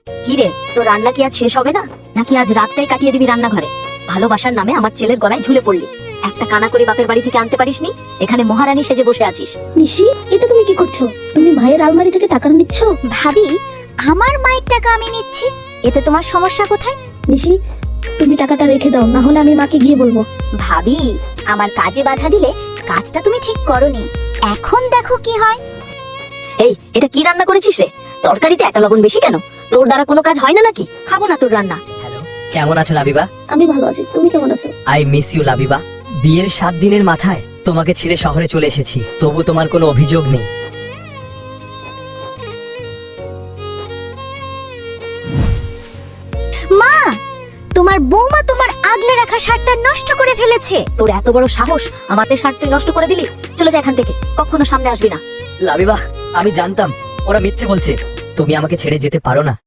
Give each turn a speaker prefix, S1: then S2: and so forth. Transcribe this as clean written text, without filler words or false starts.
S1: কি রে, তোর রান্না কি আজ শেষ হবে না, নাকি আজ রাতটাই কাটিয়ে দিবি রান্নাঘরে? ভালোবাসার নামে আমার ছেলের গলায় ঝুলে পড়লি। একটা কানা করে বাপের বাড়ি থেকে আনতে পারিসনি, এখানে মহারানী সেজে বসে আছিস।
S2: নিশি, এটা তুমি কি করছো? তুমি ভাইয়ের আলমারি থেকে টাকা নিচ্ছ?
S1: ভাবি, আমার মায়ের টাকা আমি নিচ্ছি, এতে তোমার সমস্যা কোথায়?
S2: নিশি, তুমি টাকাটা রেখে দাও, না হলে আমি মাকে গিয়ে বলবো।
S1: ভাবি, আমার কাজে বাধা দিলে কাজটা তুমি ঠিক করনি, এখন দেখো কি হয়। এই, এটা কি রান্না করেছিস রে? তরকারিতে একটা লবণ বেশি কেন? তোর দ্বারা কোনো কাজ হয় না নাকি? খাবো না তোর রান্না।
S3: হ্যালো, কেমন আছো লাবিবা?
S2: আমি ভালো আছি, তুমি কেমন আছো?
S3: I miss you Labiba. বিয়ের 7 দিনের মাথায় তোমাকে ছেড়ে শহরে চলে এসেছি, তবু তোমার কোনো অভিযোগ নেই।
S1: মা, তোমার বৌমা তোমার আগলে রাখা শার্টটা নষ্ট করে ফেলেছে। তোর এত বড় সাহস, আমার শার্ট তুই নষ্ট করে দিলি? চলে যা এখান থেকে, কখনো সামনে আসবি না।
S3: লাবিবা, আমি জানতাম ওরা মিথ্যে বলছে, তুমি আমাকে ছেড়ে যেতে পারো না।